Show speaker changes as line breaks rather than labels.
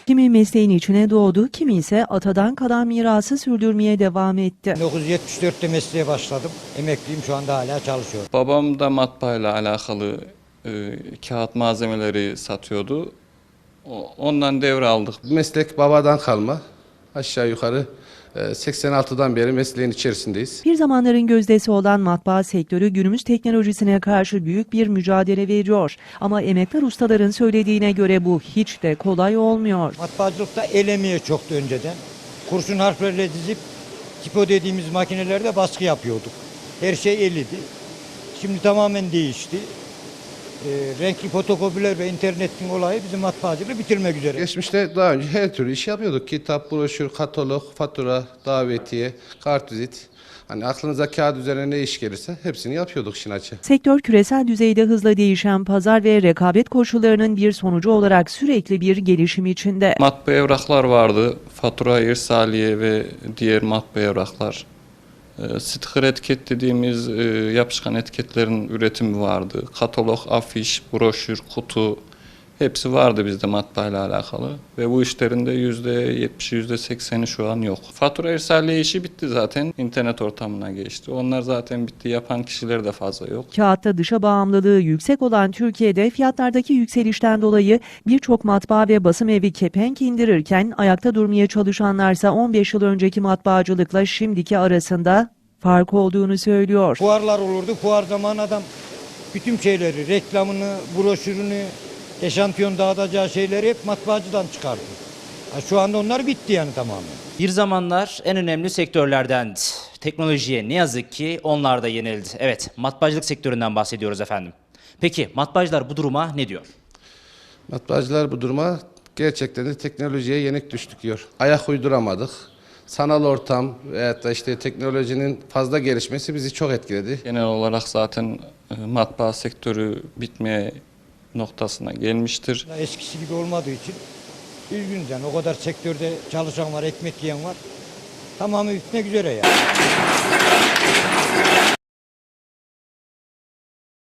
Kimi mesleğin içine doğdu, kimi ise atadan kalan mirası sürdürmeye devam etti.
1974'te mesleğe başladım. Emekliyim, şu anda hala çalışıyorum.
Babam da matbaayla alakalı kağıt malzemeleri satıyordu. Ondan devraldık.
Meslek babadan kalma. Aşağı yukarı 86'dan beri mesleğin içerisindeyiz.
Bir zamanların gözdesi olan matbaa sektörü günümüz teknolojisine karşı büyük bir mücadele veriyor. Ama emektar ustaların söylediğine göre bu hiç de kolay olmuyor.
Matbaacılıkta el emeği çoktu önceden. Kurşun harflerle dizip tipo dediğimiz makinelerde baskı yapıyorduk. Her şey el idi. Şimdi tamamen değişti. Renkli fotokopiler ve internetin olayı bizim matbaacılığı bitirmek üzere.
Geçmişte daha önce her türlü iş yapıyorduk. Kitap, broşür, katalog, fatura, davetiye, kartvizit. Hani aklınıza kağıt üzerine ne iş gelirse hepsini yapıyorduk işin açığı.
Sektör küresel düzeyde hızla değişen pazar ve rekabet koşullarının bir sonucu olarak sürekli bir gelişim içinde.
Matbaa evraklar vardı. Fatura, irsaliye ve diğer matbaa evraklar. Sticker etiket dediğimiz yapışkan etiketlerin üretimi vardı. Katalog, afiş, broşür, kutu hepsi vardı bizde matbaayla alakalı. Ve bu işlerin de %70'i, %80'i şu an yok. Fatura irsaliye işi bitti zaten. İnternet ortamına geçti. Onlar zaten bitti. Yapan kişiler de fazla yok.
Kağıtta dışa bağımlılığı yüksek olan Türkiye'de fiyatlardaki yükselişten dolayı birçok matbaa ve basım evi kepenk indirirken ayakta durmaya çalışanlarsa 15 yıl önceki matbaacılıkla şimdiki arasında fark olduğunu söylüyor.
Fuarlar olurdu. Fuar zamanı adam bütün şeyleri, reklamını, broşürünü, eşantiyon dağıtacağı şeyleri hep matbaacıdan çıkardı. Şu anda onlar bitti yani tamamen.
Bir zamanlar en önemli sektörlerdendi. Teknolojiye ne yazık ki onlar da yenildi. Evet, matbaacılık sektöründen bahsediyoruz efendim. Peki matbaacılar bu duruma ne diyor?
Matbaacılar bu duruma gerçekten de teknolojiye yenik düştük diyor. Ayak uyduramadık. Sanal ortam veyahut da işte teknolojinin fazla gelişmesi bizi çok etkiledi.
Genel olarak zaten matbaa sektörü bitmeye noktasına gelmiştir.
Eskisi gibi olmadığı için üzgünüz yani. O kadar sektörde çalışan var, ekmek yiyen var. Tamamı bitmek üzere yani.